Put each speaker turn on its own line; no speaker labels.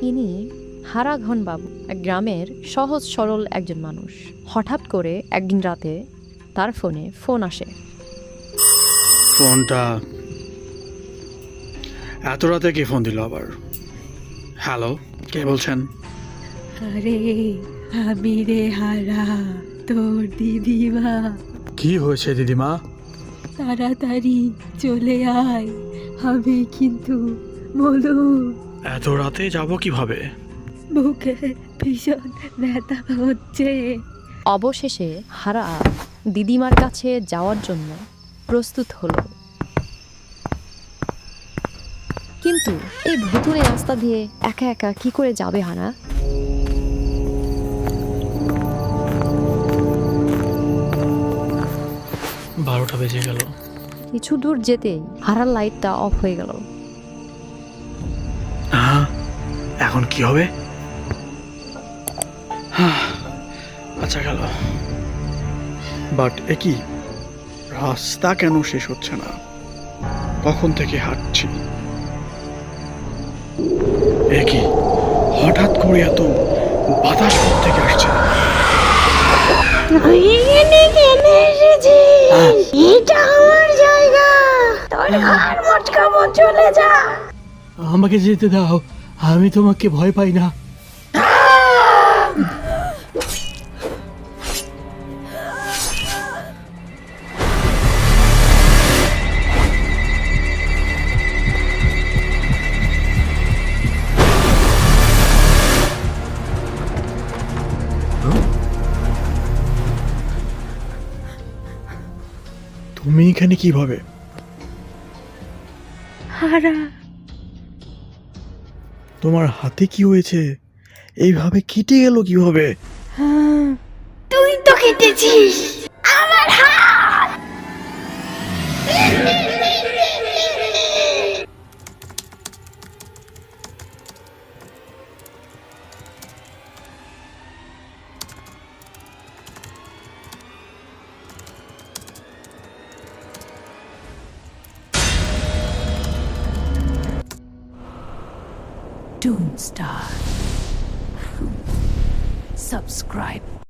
ইনি হারাঘন বাবু, এক গ্রামের সহজ সরল একজন মানুষ। হঠাৎ করে একদিন রাতে তার ফোন আসে।
ফোনটা এত রাতে কে ফোন দিল আবার? হ্যালো, কে বলছেন?
আরে আমি রে হারা, তোর দিদিমা।
কি হয়েছে দিদিমা?
তাড়াতাড়ি চলে আয়, আমি কিন্তু বলু
এত রাতে যাব কিভাবে?
বুকে ভীষণ ব্যথা হচ্ছে।
অবশেষে হারা দিদিমার কাছে যাওয়ার জন্য প্রস্তুত হলো। কিন্তু এই ভুতুড়ে রাস্তা দিয়ে একা একা কি করে যাবে হারা?
12টা বেজে গেল।
কিছু দূর যেতেই হারার লাইটটা অফ হয়ে গেল।
হ্যাঁ, এখন কি হবে? আচ্ছা গেল, বাট এ কি, রাস্তা কেন শেষ হচ্ছে না? কখন থেকে হাঁটছি, এ কি হঠাৎ করে এত বাতাস থেকে আসছে?
এটা আমার জায়গা, তোর ঘর মটকাবো, চলে যা।
আমাকে যেতে দাও, আমি তোমাকে ভয় পাই না।
তুমি এখানে কিভাবে?
হারা,
তোমার হাতে কি হয়েছে? এইভাবে কেটে গেল কিভাবে?
তুই তো কেটেছিস আমার হাত।
Doomstar. Subscribe.